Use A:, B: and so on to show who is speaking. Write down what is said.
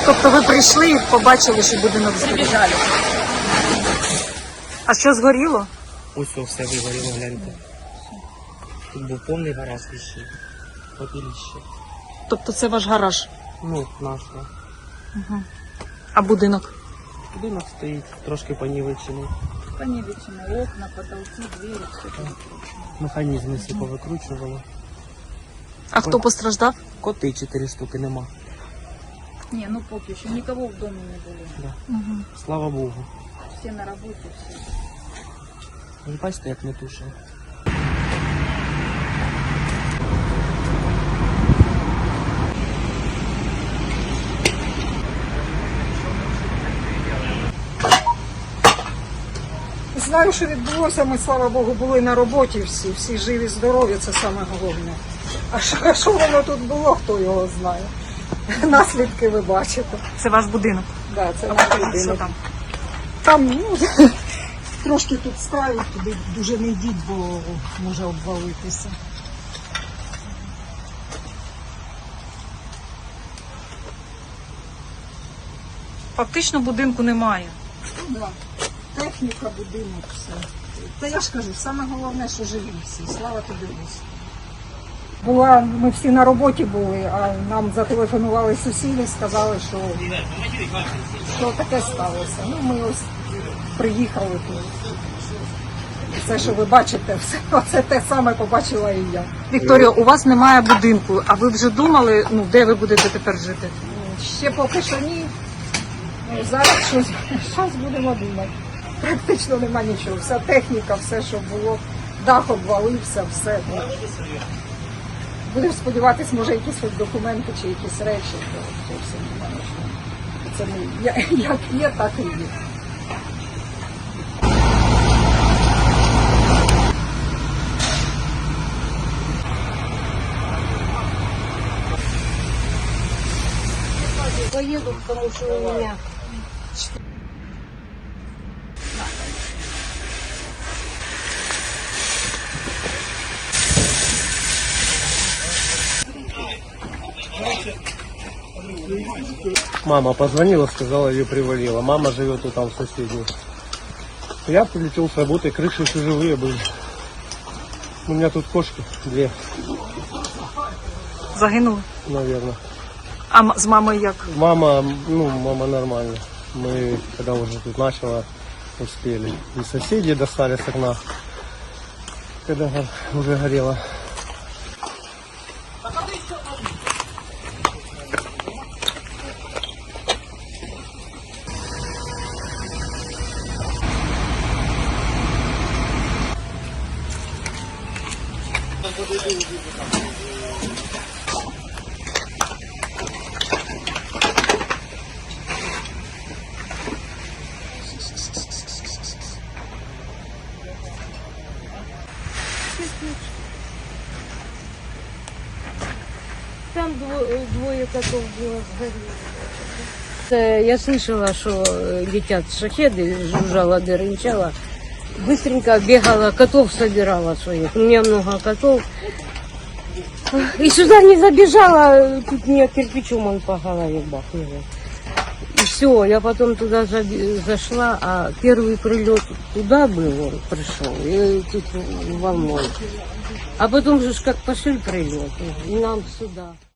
A: Тобто ви прийшли і побачили, що будинок згорів?
B: Прибіжали.
A: А що згоріло?
C: Ось все вигоріло, гляньте. Тут був повний гараж віщей. Попіліще.
A: Тобто це ваш гараж?
C: Ну, наш, да.
A: Угу. А будинок?
C: Будинок стоїть, трошки понівечений.
B: Понівечено, окна, потолки, двері, все там.
C: Механізми всі повикручували.
A: А хто постраждав?
C: Коти 4 штуки нема.
B: Не, ну поки що, нікого в домі не було.
C: Да.
A: Угу.
C: Слава Богу.
B: Всі на роботі, всі.
C: Ви бачите, як не тушили.
D: Знаю, що відбулося, ми, слава Богу, були на роботі всі живі, здорові, це саме головне. А що воно тут було, хто його знає. Наслідки ви бачите.
A: Це ваш будинок?
D: Да, це наш
A: Що
D: будинок.
A: там?
D: Там, ну, трошки тут ставить, туди дуже не йдіть, бо може обвалитися.
A: Фактично будинку немає.
D: Ну, да. Техніка, будинок, все. Та я ж кажу, саме головне, що живі всі. Слава тобі, Господи. Ми всі на роботі були, а нам зателефонували сусіди, сказали, що таке сталося. Ну, ми ось приїхали тут. Все, що ви бачите, це те саме побачила і я.
A: Вікторія, у вас немає будинку, а ви вже думали, ну, де ви будете тепер жити?
D: Ще поки що ні. Ну, зараз щось будемо думати. Практично нема нічого. Вся техніка, все, що було, дах обвалився, все. Будемо сподіватися, може, якісь хоч документи чи якісь речі, то все немає нічого. Це як є, так і є.
E: Поеду, потому что у меня...
F: Мама позвонила, сказала, ее привалило. Мама живет вот там в соседней. Я прилетел с работы, крыши еще живые были. У меня тут кошки 2,
A: Загинули?
F: наверное.
A: А з мамою як?
F: Мама нормально. Мы, когда уже тут начало, успели. И соседи достали с окна, когда уже горело.
E: Там двое котов было сгорело. Я слышала, что летят шахеды, жужжала, дырынчала. Быстренько бегала, котов собирала своих. У меня много котов. И сюда не забежала, тут мне кирпичом он по голове бахнуло. И все, я потом туда зашла, а первый прилет туда был, он пришел, и тут волной. А потом же как пошли прилеты, и нам сюда.